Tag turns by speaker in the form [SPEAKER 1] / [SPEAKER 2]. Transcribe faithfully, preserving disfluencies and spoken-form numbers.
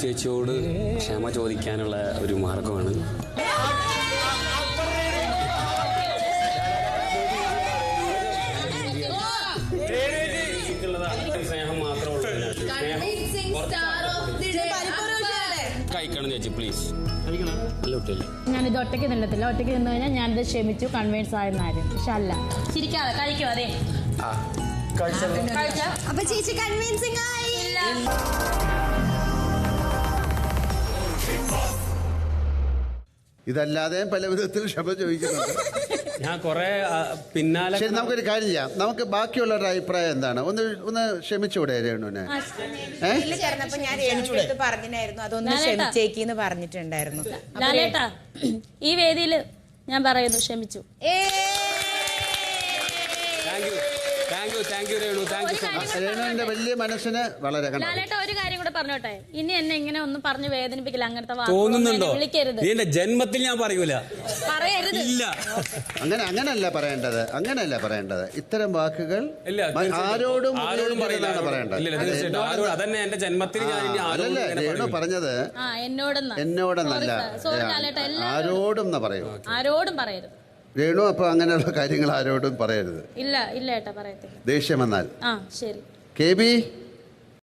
[SPEAKER 1] ചേച്ചിയോട് ക്ഷമ ചോദിക്കാനുള്ള ഒരു മാർഗമാണ്. സ്നേഹം മാത്രമേ കഴിക്കണം ചേച്ചി, പ്ലീസ്.
[SPEAKER 2] ഞാനിത് ഒറ്റയ്ക്ക് നിന്നത്തില്ല. ഒറ്റയ്ക്ക് നിന്ന് കഴിഞ്ഞാൽ ഞാനിത് ക്ഷമിച്ചു കൺവിൻസ് ആയെന്നാരും. പക്ഷെ അല്ല, ചിരിക്കാതെ കഴിക്കും. അതെ,
[SPEAKER 3] അപ്പൊ ചേച്ചി കൺവിൻസിംഗ് ആയില്ല.
[SPEAKER 4] ഇതല്ലാതെ പല വിധത്തിൽ ക്ഷമ ചോദിക്കുന്നുണ്ട്.
[SPEAKER 1] ഞാൻ കുറെ പിന്നാലെ.
[SPEAKER 4] ശരി, നമുക്കൊരു കാര്യം ചെയ്യാം. നമുക്ക് ബാക്കിയുള്ളവരുടെ അഭിപ്രായം എന്താണ്? ഒന്ന് ഒന്ന് ക്ഷമിച്ചുകൂടെ രേണുവിനെ?
[SPEAKER 3] ചേർന്നപ്പോ ഞാൻ രേണുവിനടുത്ത് പറഞ്ഞിട്ടുണ്ടായിരുന്നു അതൊന്ന് ക്ഷമിച്ചേക്കിന്ന് പറഞ്ഞിട്ടുണ്ടായിരുന്നു.
[SPEAKER 2] ലാലേട്ടാ, ഈ വേദിയിൽ ഞാൻ പറയുന്നു ക്ഷമിച്ചു.
[SPEAKER 4] രേണുവിന്റെ വലിയ മനസ്സിന് വളരെ.
[SPEAKER 2] ലാലേട്ടാ, ഒരു കാര്യം കൂടെ പറഞ്ഞോട്ടെ, ഇനി എന്നെ ഇങ്ങനെ ഒന്നും പറഞ്ഞ് വേദനിപ്പിക്കില്ല. അങ്ങനത്തെ
[SPEAKER 1] തോന്നുന്നുണ്ടോ?
[SPEAKER 2] വിളിക്കരുത്.
[SPEAKER 1] എന്റെ ജന്മത്തിൽ ഞാൻ പറയൂല,
[SPEAKER 2] പറയരുത്.
[SPEAKER 1] ഇല്ല,
[SPEAKER 4] അങ്ങനെ അങ്ങനല്ല പറയേണ്ടത്. അങ്ങനെയല്ല പറയേണ്ടത്. ഇത്തരം വാക്കുകൾ ആരോടും പറയേണ്ടത്.
[SPEAKER 1] അതന്നെ എന്റെ ജന്മത്തിൽ.
[SPEAKER 4] അല്ലല്ലേ രേണു പറഞ്ഞത്? എന്നോടെന്നല്ല, ആരോടും എന്നാ പറയൂ.
[SPEAKER 2] ആരോടും പറയരുത്
[SPEAKER 4] രേണു. അപ്പൊ അങ്ങനെയുള്ള കാര്യങ്ങൾ ആരോടും പറയരുത്.
[SPEAKER 2] ഇല്ല ഇല്ല ഏട്ടാ, പറയത്തില്ല.
[SPEAKER 4] ദേഷ്യം വന്നാൽ.
[SPEAKER 2] ആ ശരി.
[SPEAKER 4] K B